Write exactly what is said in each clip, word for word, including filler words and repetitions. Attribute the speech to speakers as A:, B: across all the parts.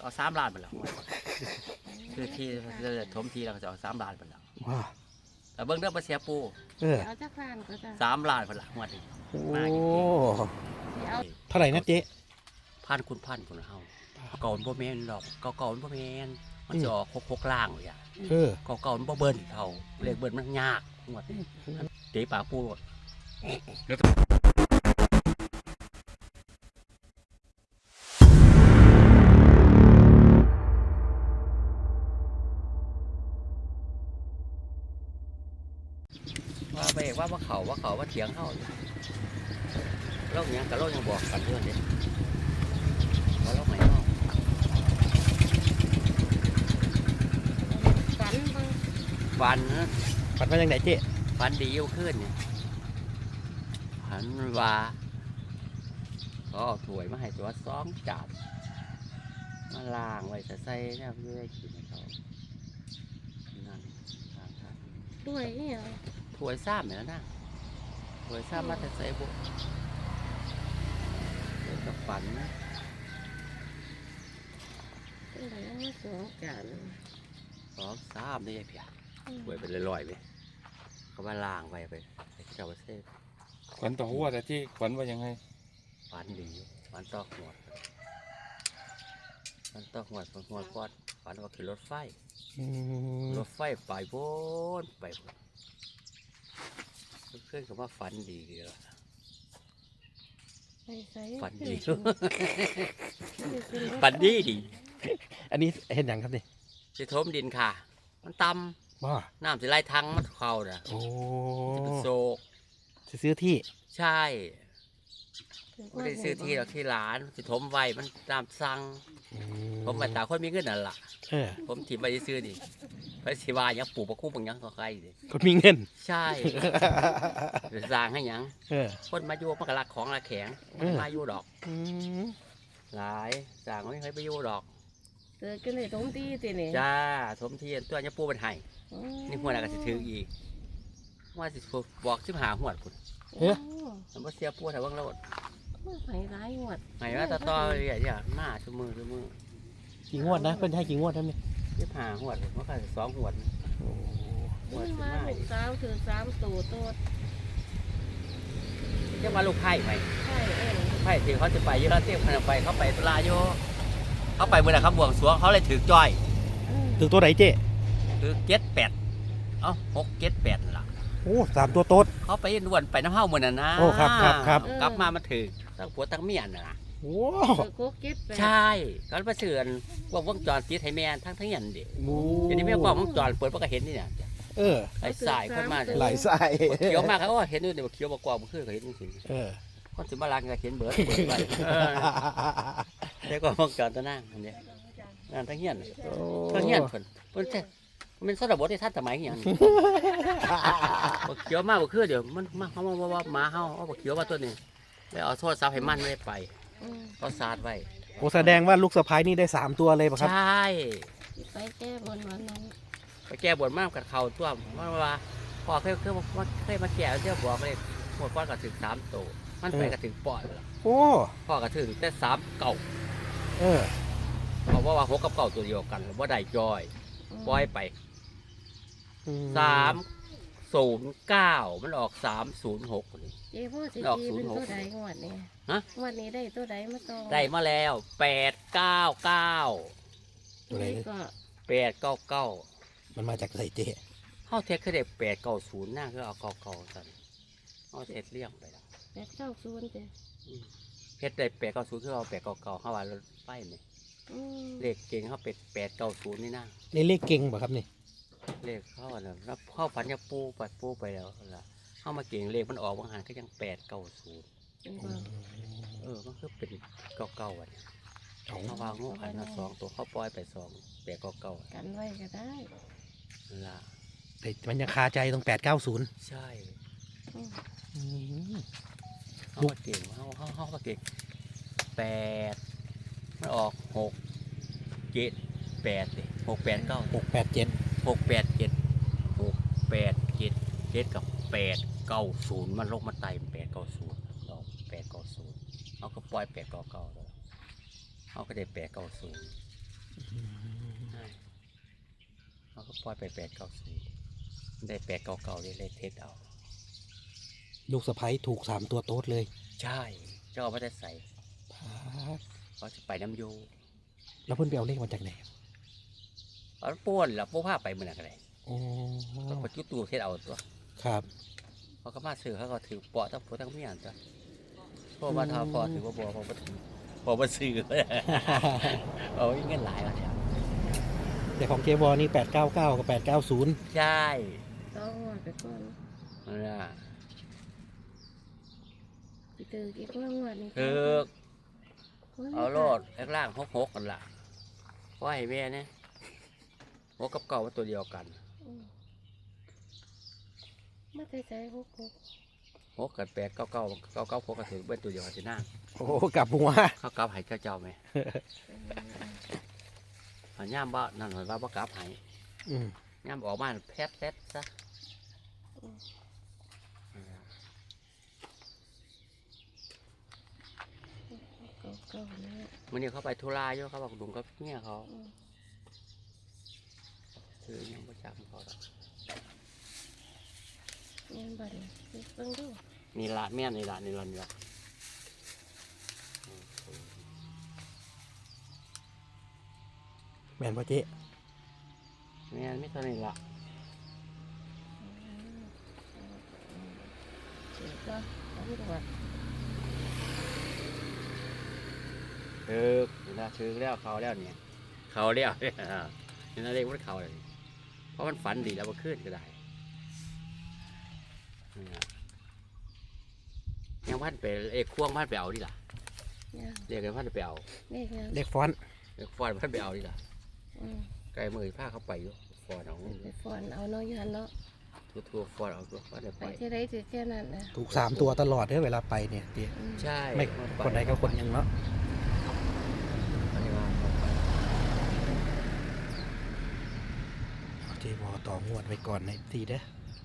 A: เอาสามล้านไปแล้วคือที่ถมทีเราก็จะเอาสามล้านไปแล้ว
B: ว้า
A: แต่เบิ้งเด้อมาเสียปู
B: เออ
C: เอาจักรานก็จะ
A: สามล้านไปละงวดนี้
B: โอ้
C: เอา
B: เท่าไหร่นะเจ๊
A: พันคุณพันคนเฮาเก่ามันบ่แม่นดอกเก่าเก่ามันบ่แม่นมันจะออกหกๆล่างเลยอ่ะ
B: เออ
A: เก่าเก่ามันบ่เบิ้ลเท่าเลขเบิ้ลมันยากงวดนี้เตะปากปูว่าไปว่าว่าเขาว่าเขาว่าเถียงเขาโลกยังกับโลกยังบอกกันเรื่องนี้ว่าโลกไหนเนาะ
C: ฝันเบิ่ง
A: ฟันนะ
B: ปัดมาจากไหนเจ๊
A: ฟันดียิ่งขึ้นเนี่ยหันว่าก็เอาถ้วยมาให้ตัวสองจานมาล้างไว้ใส่เนี่ยเพื่อให้กินให้เขานั่นล้างครับ
C: ด้วยนี่เหรอ
A: ถ้วยซ้ำเนี่ยนะถ้วยซ้ำมาแต่ใส่บุกเดี๋ยวกับฝันนะ
C: เป็นไรเอามาสองจาน
A: สองซ้ำนี่ไอ้เพียถ้วยเป็นลอยๆไปเขามาล้างไว้ไปให้เจ้าเซ่
D: ขวัญต่อหัวแต่ที่ขวัญว่ายังไง
A: ฝันดีฝันตอกหัวฝันตอกหัวฝันหัวก้อนฝันว่าขี่รถไฟ
B: อืม
A: รถไฟไปโบนไปโบนเพื่อนเขาว่าฝันดีดีแล้ว
C: ไปใส่
A: ฝันดี
C: ขึ้นรถ
A: ฝันดีดี
B: อันนี้เห็นอย่างครับนี่
A: จะทมดินค่ะ มันต่
B: ว้า
A: ำน้ำจะไหลทังมันเข่าน่ะ
B: โอ้
A: จะเป็นโศก
B: จะซื้อที่
A: ใช่ไม่ได้ซื้อที่หรอกที่หลานจะถมไว้มันตามสั่ง
B: อื
A: ผมมาตาคนมีเงินนั่นล่ะ
B: เออ
A: ผมถิ่มไปซื้อดิไปสิว่าหยังปลูกประคุ้มบางยังก็ใครดิ
B: คนมีเงิน
A: ใช่ไปสร้างให้หยัง
B: เออ
A: คนมาอยู่มันก็รักของรักแข็ง
B: เออ
A: มาอยู่ดอก
B: อืม
A: หลายสร้างไม่เคยไปอยู่ดอก
C: เกิดกันเลยตรงที่ติเนี่ย
A: จ้าสมเทียนตัวนี้ปูเป็นไห้นี่หัวหน้าก็สิถืออีกว่าสิบอกสิบหาหัวพุ่น
C: โอ้
A: มันบ่เสียปูแต่ว่างเรา
C: ไปร้ายหมด
A: ไห้ว่าต่อต่อเรื่อยๆมาชั่วมือชั่วมือ
B: กี่งวดนะเพิ่นให้กี่งวดครับนี่
A: สิบหาหัวมันก็สองหัว
B: โอ้
A: หัว
C: นี่
A: สิ
C: มา
A: มา
C: ลูกสาวถือสามตัวโตด
A: เรียกว่าลูกไผ่ไหม
C: ใช่เอง
A: ไผ่ที่เขาจะไปเยอะแล้วเตี้ยพันไปเขาไปตุลาโยเขาไปเมื่อไหร่เขาบวงสรวงเขาเลยถือจ้อย
B: ถึงตัวไหนเจ๊
A: ถือเจ็ดแปดเอ้าหกเจ็ดแปดล่ะ
B: โอ้สามตัวโต๊ด
A: เขาไปนวลไปน้ำเฮ้าเหมือนน่ะนะ
B: โอ้ครับครับครับ
A: กลับมามาถือตั้งผัวตั้งเมียน่ะนะ
B: โอ้
C: เกิดโคกเก็ตไป
A: ใช่ก็มาเสื่อนว่าวงจรติดให้แม่ทั้งทั้งยันดิ
B: โห
A: เดี๋ยวนี้ไม่กล้องวงจรเปิดมันก็เห็นนี่เนี่ย
B: เออ
A: ไอ้สายคนมา
B: ไหลสาย
A: เขียวมากเขาก็เห็นด้วยเดี๋ยวเขียวบกว่ามันขึ้นก็เห็นจริง
B: เออ
A: ๆคนสิมาลังก็เห็นเบิร์ดเบิร์ดไปเดี๋ยวก็วงจรตัวนั่งอันเนี้ยนั่นทั้งยันทั้งยันคนมันแท้มันสระบดที่ท่านสมัยอย่างนี้บกเขียวมากบกขึ้นเดี๋ยวมันมาเขามาว่าหมาเฮาเอาบกเขียวมาตัวนี้แล้วเอาโทษซับให้มันไม่ไปเขาสาดไว้
B: โอ้แสดงว่าลูกสะพ้ายนี่ได้สามตัวเลยป่ะครับ
A: ใช่
C: ไปแก้บนวันนั้น
A: ไปแก้บนมากกับเขาตัวว่าว่าพอเคยเคยมาเคยมาแก้เที่ยวบอกเลยหมดก้อนก็ถึงสามโตมันไปก็ถึงปอดแล้ว
B: โอ้
A: พ่อก็ถึงแต่สามเก่า
B: เออ
A: เพราะว่าว่าหกกับเก่าตัวเดียวกันว่าได้จอยปล่อยไปสามศูนย์เก้ามันออกสามศูนย์หกนี่
C: เจ้พ่อสิ
A: ดอก
C: จี
A: ศูน
C: เป็
A: ย์
C: น
A: หก
C: ตัวใดงวดนี่
A: ฮะ
C: งวดนี้ได้ตัวใดมาต่อ
A: ได้มาแล้วแปดเก้าเก้า
B: ตัวไหน
C: ก็
A: แปดเก้าเก้า
B: มันมาจากไหนเจ๊
A: เขาเทคคือเด็กแปดเก้าศูนย์น่าคือเอาเก้าเก้าสั่นเขาเทคเลี่ยงไปแล้ว
C: แปดเก้าศูนย์เจ้
A: เฮ็ดได้แปดเก้าศูนย์คือเอาแปดเก้าเก้าเข้าว่ารถไฟไหม
C: อืม
A: เลขเก่งเขาเป็นแปดเก้าศูนย์นี่นะ
B: ในเลขเก่งป่ะครับนี่
A: เลขเข้าน่ะแล้วเข้าฝันจะปูปัดปูไปแล้วล่ะเข้ามาเก่งเลขมันออกบางหันก็ยังแปดเก้าศูนย์
C: เป็นบ่
A: เออมันคือเป็นเก้าเก้าอ่ะเนี่ย
B: เอา
A: เขาวางงูขันมาสองตัวเขาปล่อยไปสองแปดเก้าเก้า
C: กันไว้ก็ได้
A: ล่ะ
B: แต่มันยังคาใจตรงแปดเก้าศูนย์
A: ใช่
C: อืม
A: เขามาเก่งเขาเขาเขามาเก่งแปดมันออกหกเจ็ดแปดเลยหกแปดเก้า
B: หกแปดเจ็ด
A: หกแปดเจ็ดหกแปดเจ็ดเจ็ดกับแปดเก้าศูนย์มันลงมาไต่แปดเก้าศูนย์ดอกแปดเก้าศูนย์เขาก็ปล่อยแปดเก้าเก้าแล้วเขาก็ได้แปดเก้าศูนย์เขาก็ปล่อยไปแปดเก้าสี่ได้แปดเก้าเก้าเลยเลยเทสเอา
B: ลูกสะใภ้ถูกสามตัวโต๊ดเลย
A: ใช่เจ้าเอาไม่ได้ใส่
B: พาด
A: เขาจะไปน้ำโย
B: แล้วเพิ่นไปเอาเลขมาจากไหน
A: เอาป้วนแล้วป้วนผ้าไปเมื่อไหร่กันเลย
B: โอ้
A: ก็ไปจุดตูเทสเอาตัว
B: ครับ
A: เขาก็มาซื้อเขาก็ถือเปาะทั้งผัวทั้งเมียตัวเพราะว่าทาพอถือว่าบัวพอมาถือพอมาซื้อ เอาเงินหลายแล้วเนี่ย
B: แต่ของเจวอนี่แปดเก้าเก้ากับแปดเก้าศูนย์
A: ใช่
C: ต้องงวดไปก่อน
A: นั่นน่ะ
C: ไปเจอกี่คนงวดนี่
A: คือเอาโลดแรกล่างหกหกกันละเพราะให้แม่เนี่ยหกกับเก่าว่าตัวเดียวกัน
C: อืมมาใจใจหกหก
A: หกกับแปดเก้าเก้าเก้าเก้าหกกับถือเป็นตัวเดียวกันสิหน้า
B: โอ้กลับหัว
A: เขากลับให้เจ้าเจ้าไหมอันย่ามบ้านั่นหมายว่าบ่กลับให้
B: อืม
A: ย่ามออกมาแพทแพทซะ
C: เก่าเก่าๆนะ
A: วันนี้เขาไปธุระอยู่เขาบอกดุงกับเนี่ยเขา
C: อืม
A: คือยังประจำเขาดอก
C: เงินบัตรเบิ่งดู
A: นี่ละแม่นนี่ละนี่ละนี่ละ
B: แม่นป่ะเจ๊
A: แม่นไม่เท่านี้ละ
C: เดี๋ยวก็เอาไปก่อน
A: ถือนี่ละถือแล้วเขาแล้วเนี่ยเขาแล้ว นี่น่าเรียกว่าเขาเลยเพราะมันฝันดีแล้วมันขึ้นก็ได้นี่ล่ะยังพันไปเอกควงพันไปเอาดิล่ะ
C: เนี่ย
A: เรียกกันพันไปเอา
C: เลขยัง
B: เลขฟอนต์
A: เอกฟอนพันไปเอาดิล่ะ
C: อืม
A: ไกลมือผ้าเขาไปอยู่ฟอนเอา
C: ไปฟอนเอาเนาะอยันเนาะ
A: ทัวทัวฟอนเอาตัวฟอนได้
C: ไป
A: ไป
C: ที่ไรถือแค่นั้นนะ
B: ถูกสามตัวตลอดเด้อเวลาไปเนี่ยเจ๊
C: อืม
A: ใช่
B: ไม่คนใดก็คนหยังเนาะ
A: อันนี้ว่าเขาไป
B: เจวอต่องวดไว้ก่อนในทีเด้อ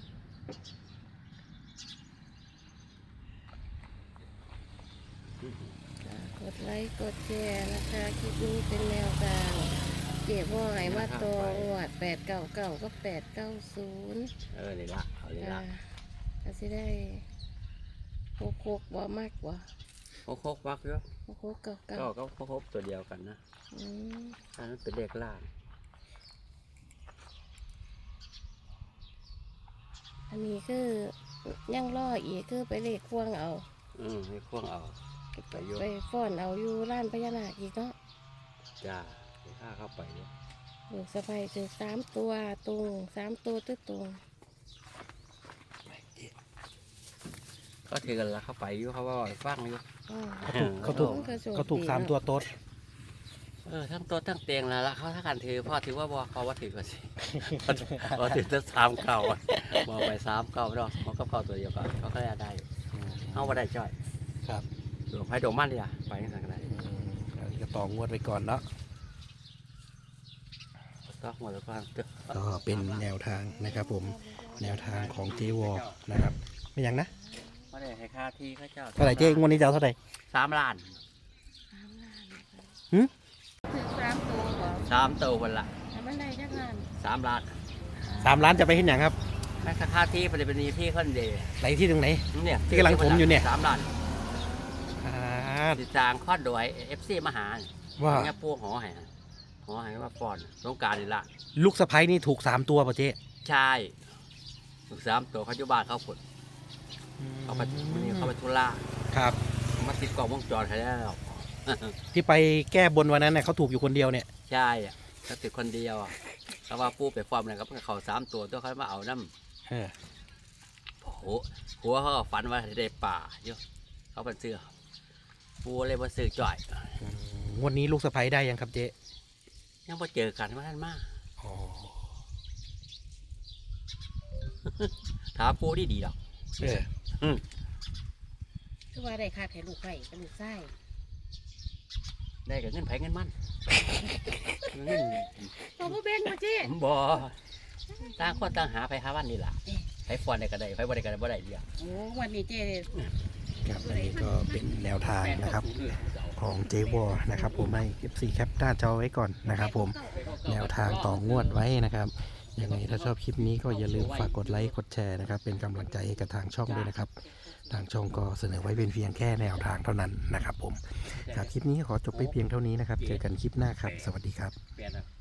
C: กดไลค์กดแชร์นะคะคลิปนี้เป็นแนวทางเก็บว่าไงว่าตัวอวดแปดเก้าเก้าก็แปดเก้าศูนย์
A: เออนี่ละเอานี่
C: อ่า
A: ละ
C: ก็สิได้หกหกบ่มากกว่า
A: โคกโคกวักเยอะ
C: หกหกเก้าเก้า
A: ก็ก็โคกโคกตัวเดียวกันนะ
C: อืม
A: อันนั้นเป็นเลขล่าง
C: อันนี้คือยังรออีกคือไปเลขควงเอา
A: อืมให้ควงเอาไปโย
C: ไปฟ้อนเอาอยู่ร้านพญานาคอีกเนาะ
A: จ้าไปฆ่าเข้าไปเยอะ
C: ลูกสะใภ้ถึงสามตัวตรงสามตัวตึ้ตรง
A: ก็ถือกันละเข้าไปอยู่เขาว่าฟังอยู่
C: อ่า
B: เขาถูก
C: โอ้โชค
B: เขาถูก
C: ดี
B: สาม
C: เนอะ
B: ตัวโต๊ด
A: เออทั้งตัวทั้งเตียงแล้วละเขาถ้ากันถือพ่อถือว่าบอเขาว่าถือก็สิพอถือทั้งสามเก่าอะบอกไปสามเก่าดอกเขาก็เก่าตัวเดียวกันเขาก็ได้อยู่เขาว่าได้จ้อย
B: ครับ
A: หลวงไพ่ดอกมันเลยอ่ะไปสั่งกันได้
B: อืมอันนี้ก็ต่องวดไว้ก่อนเนาะ
A: ต้องหมดแล้วก็
B: ก็เป็นแนวทางนะครับผม แนวทางของเจวอนะครับ ไม่ยังนะ
A: ไม่ได้ให้ค่าที่ข้าเจ้า
B: เท่าไหร่เจ๊งวดนี้จะเอาเท่าไหร่
A: สามล้าน
C: สามล้านนะคะ
B: หึ
C: ถึงสามตัวเหรอ
A: สามตัวคนละ
C: แต่มันได้จักงาน
A: สามล้าน
B: สามล้านจะไปเห็นอย่างครับ
A: แม่ค่าที่ปฏิบัติที่คนเดียว
B: ไหนที่ตรงไหน
A: เนี่ย
B: ที่กำลังถมอยู่เนี่ย
A: สามล้าน
B: อ่า
A: ติดจางข้อดอยเอฟซีมหา
B: ว่า
A: เนี่ยปูหอแห่หอแห่ว่าฟอนสงการนี่ละ
B: ลูกสะใภ้นี่ถูกสามตัวป่ะเจ๊
A: ใช่ลูกสามตัวเขาอยู่บ้านเขาฝนเขาไปวันนี้เขาไปธุระ
B: ครับ
A: มาติดกล้องวงจรให้แล้ว
B: ที่ไปแก้บนวันนั้นเนี่ยเขาถูกอยู่คนเดียวเนี่ย
A: ใช่อะเขาติดคนเดียวอะเขาว่าปูไปฟอร์มอะไรก็เพิ่งเขาสามตัวตัวเขามาเอาน้
B: เออ
A: ำโอ้โหหัวเขาก็ฝันว่าได้ป่าเยอะเขาเป็นเสือปูเลยมาซื้อจ่อย
B: อืมงวดนี้ลูกสะใภ้ได้ยังครับเจ๊
A: ยังพอเจอกันว่าท่านมา
B: อ๋อ
A: ถามปูดีดีๆดอก
B: เออ
C: คือว่าได้ค่าแค่ลูกไก่กับลูกไส้
A: ได้กับเงินไผเงินมันเงิน
C: เอาบ่แบ่งมาเจ๊
A: บ่ต่างคนต่างหาไผหาวันนี่ล่ะไผฟอนได้ก็ได้ไผบ่ได้ก็ได้บ่ได้เดียว
C: โอ้วันนี้เจ๊
B: ครับอันนี้ก็เป็นแนวทางนะครับ
A: แปดเก้าศูนย์
B: ของเจวอนะครับผมให้ เอฟ ซี แคปหน้าจอไว้ก่อนนะครับผมแนวทางต่องวดไว้นะครับยังไงถ้าชอบคลิปนี้ก็อย่าลืมฝากกดไลค์กดแชร์นะครับเป็นกำลังใจให้กับทางช่องด้วยนะครับทางช่องก็เสนอไว้เป็นเพียงแค่แนวทางเท่านั้นนะครับผมครับคลิปนี้ขอจบไปเพียงเท่านี้นะครับเจอกันคลิปหน้าครับสวัสดีครับ
A: เปลี่ยนอะ